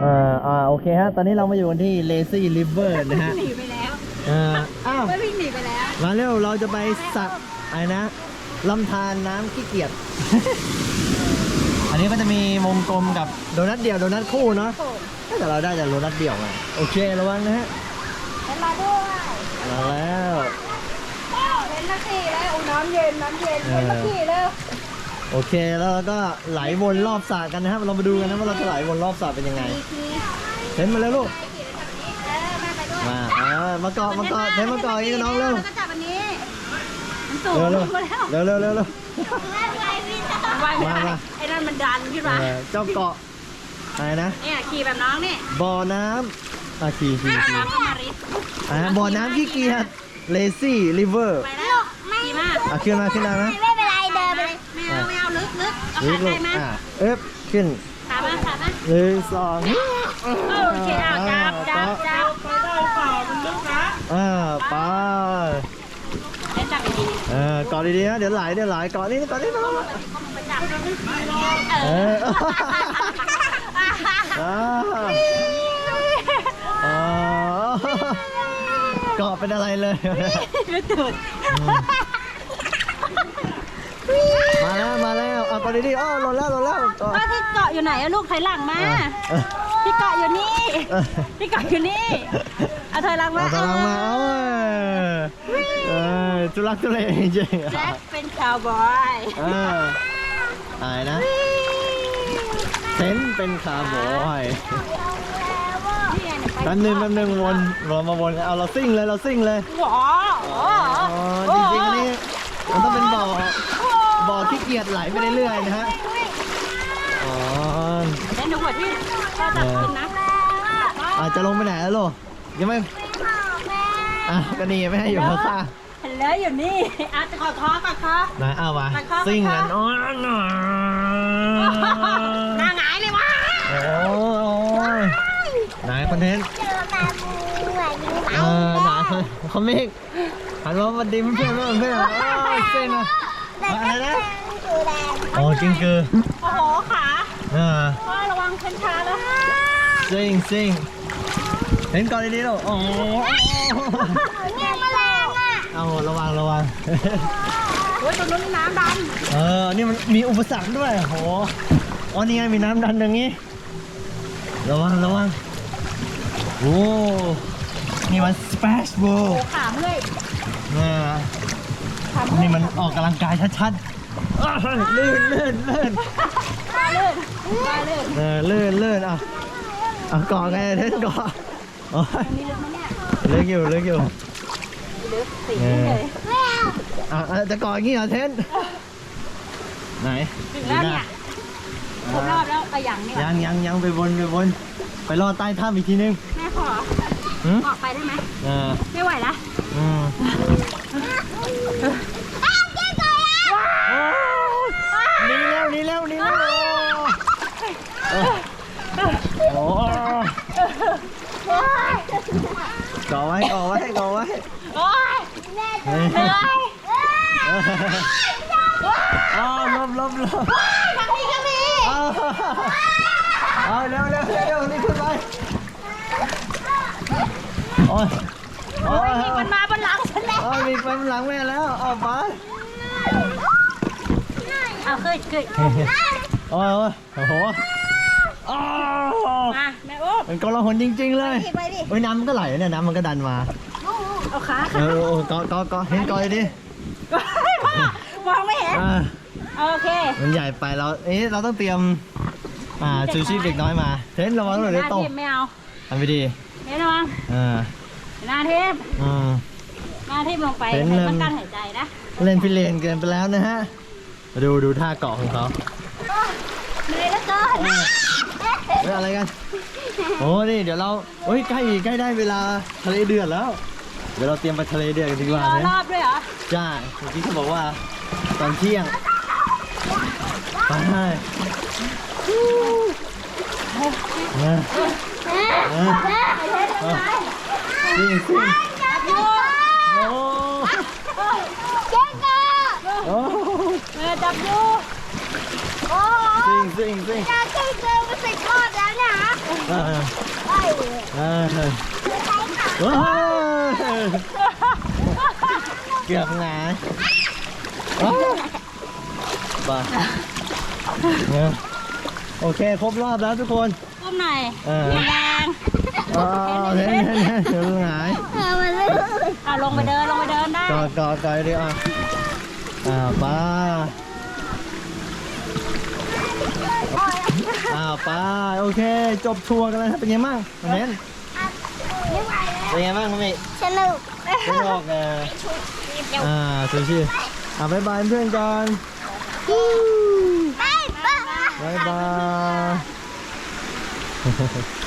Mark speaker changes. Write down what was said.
Speaker 1: โอเคฮะตอนนี้เรามาอยู่กันที่ Lazy River นะฮะ
Speaker 2: หนีไปแล้ว
Speaker 1: อ้าว
Speaker 2: ไม่วิ่งหนีไปแล้ว
Speaker 1: มาเร็วเราจะไปสักอะไรนะลำธารน้ำขี้เกียจ อันนี้ก็จะมีวงกลมกับโดนัทเดี่ยวโดนัทคู่เนาะแต่เราได้แต่โดนัทเดี่ยวไงโอเคระวังนะฮะ
Speaker 2: เห็นมาด้วย
Speaker 1: มาแล้ว
Speaker 2: เห็นนาทีแล้วน้ำเย็นเห็นนาทีแล้ว
Speaker 1: โอเคแล้วก็ไหลวนรอบสระกันนะครับเรามาดูกันนะว่าเราจะไหลวนรอบสระเป็นยังไงเห็นมาแล้วลูกมาเกาะเห็นมาเกาะอีกน้องเร็ว
Speaker 2: ก็จับอันนี้มันสูง
Speaker 1: เร็วมา
Speaker 2: ไอ้นั่นมันดันขึ้นมา
Speaker 1: เจ้าเกาะอะไรนะ
Speaker 2: เนี่ยขี่แบบน้องนี่
Speaker 1: บ่อน้ำขี่
Speaker 2: น้ำก็มาริ
Speaker 1: บ่อน้ำขี้เกียจ Lazy River
Speaker 2: ไปแล้วขี่มาก
Speaker 1: ขึ้นมานะ
Speaker 2: ไม่เป็นไรเดินไปเลยไม่เอาลึกเอาขาใจมา
Speaker 1: ขึ้น
Speaker 2: ขามา
Speaker 1: 1 2
Speaker 2: โอเคเอาจับไปได้เปล่ามันลึกนะ
Speaker 1: ไป
Speaker 2: จับดี
Speaker 1: เกาะดีๆนะเดี๋ยวไหลเกาะนี่น้องเกาะเป็นอะไรเลย
Speaker 2: ไม่ตื่น
Speaker 1: มาแล้วเกาะดีๆหล่นแล้ว
Speaker 2: ที่เกาะอยู่ไหนลูกถอยหลังมาที่เกาะอยู่นี่เอาถอยหลังมา
Speaker 1: จุลักจุเลจริง
Speaker 2: แจ็คเป็นคาวบอย
Speaker 1: อะไรนะเซนเป็นคาวบอยแป๊บนึงวนเรามาวนเอาเราซิ่งเลย
Speaker 2: ว้าว
Speaker 1: จริงๆอันนี้มันต้องเป็นบ่อขี้เกียจไหลไปเรื่อยๆนะฮะ
Speaker 2: เล่นดูหัวที่ก็จับขึ้นนะ
Speaker 1: จะลงไปไหนแล้วลูกยังไม่ก็นี่ไม่ให้อยู่ข้าง
Speaker 2: เห็นแล้วอยู่นี่จะขอท้อก่อนค่ะ
Speaker 1: ไหนเอาวะซิ่งกัน
Speaker 2: หน้าหงายเลยวะ
Speaker 1: ไหนคอนเทนต์ไหนคอมมิกหันมาดิมเพื่อนเซิ่งนะอะไรนะจริงคือ
Speaker 2: โอ้โหขาพ่อระวังเข็นขาแล้ว
Speaker 1: ซิ่งเห็นก่อนดีๆลูก
Speaker 2: เนี่ยแมลง
Speaker 1: เอาระวัง
Speaker 2: โอ้ยตรงนู้นน้ำดัน
Speaker 1: นี่มันมีอุปสรรคด้วยโหนี่ไงมีน้ำดันอย่างนี้ระวังโอ้นี่มันสเปซโบ
Speaker 2: ขาเมื่อย
Speaker 1: นี่มันออกกำลังกายชัดๆลื่นลื่นเกาะไงเทนเกาะลึกอยู่
Speaker 2: ลึกสีเลย
Speaker 1: จะเกาะอย่างนี้เหรอเทนไหน
Speaker 2: ถึงแล้วเนี่ยครบรอบแล้วอย่างนี้
Speaker 1: ยังไปวนไปรอใต้ถ้ำอีกทีนึง
Speaker 2: แม่ขอออกไปได้ไหมไม่ไหวละ
Speaker 1: นี่แล้วก่อไว้
Speaker 2: โอ้ยแม่เหนื่อย
Speaker 1: ลบ
Speaker 2: ทางนี้ก็มี
Speaker 1: เร็วนี่ขึ้นไป
Speaker 2: มีมันมาบนหลังฉันแล้ว
Speaker 1: มีไปบนหลังแม่แล้วไป
Speaker 2: ขึ้น
Speaker 1: โอ้โห
Speaker 2: แม่อุ๊บ
Speaker 1: มันกลหนจริงๆเลยน้ำมันก็ไหลเนี่ยน้ำมันก็ดันมา
Speaker 2: เอาขา
Speaker 1: เกาะเห็นก่อยดิ
Speaker 2: มองไม่เห็นโอเค
Speaker 1: มันใหญ่ไปเราต้องเตรียมชูชีพเด็กน้อยมาเห็นระวังหน่อยเลยโต
Speaker 2: ไม่เอา
Speaker 1: ทำไปดี
Speaker 2: ระวังหน้าทิพลงไปต้องการหายใจนะ
Speaker 1: เล่นพิเรนเกินไปแล้วนะฮะดูท่าเกาะของเขา
Speaker 2: เหนื่อยแล้วเกิน
Speaker 1: อะไรกันนี่เดี๋ยวเราใกล้ได้เวลาทะเลเดือดแล้วเดี๋ยวเราเตรียมไปทะเลเดือดกันดีกว่า
Speaker 2: รอบด้วยเหรอ
Speaker 1: จ้าเมื่อกี้เขาบอกว่าตอนเที่ยงไปซิ่ง
Speaker 2: จับอยู่
Speaker 1: ซิ่ง
Speaker 2: อยากขึ้นเจอมาสิทอดแล้วเนี่ยฮะ
Speaker 1: เกือบหงายบ้าโอเคครบรอบแล้วทุกคน
Speaker 2: ก้มหน่อยแรง
Speaker 1: เห็นเกือบหงาย
Speaker 2: ลงไปเดินได้
Speaker 1: กอดดิป้าป้าโอเคจบทัวร์กันแล้วเป็นไงบ้างเน้นเป็นไงบ้างคุณพี่สนุกชูบ๊ายบายเพื่อนกันบ๊ายบาย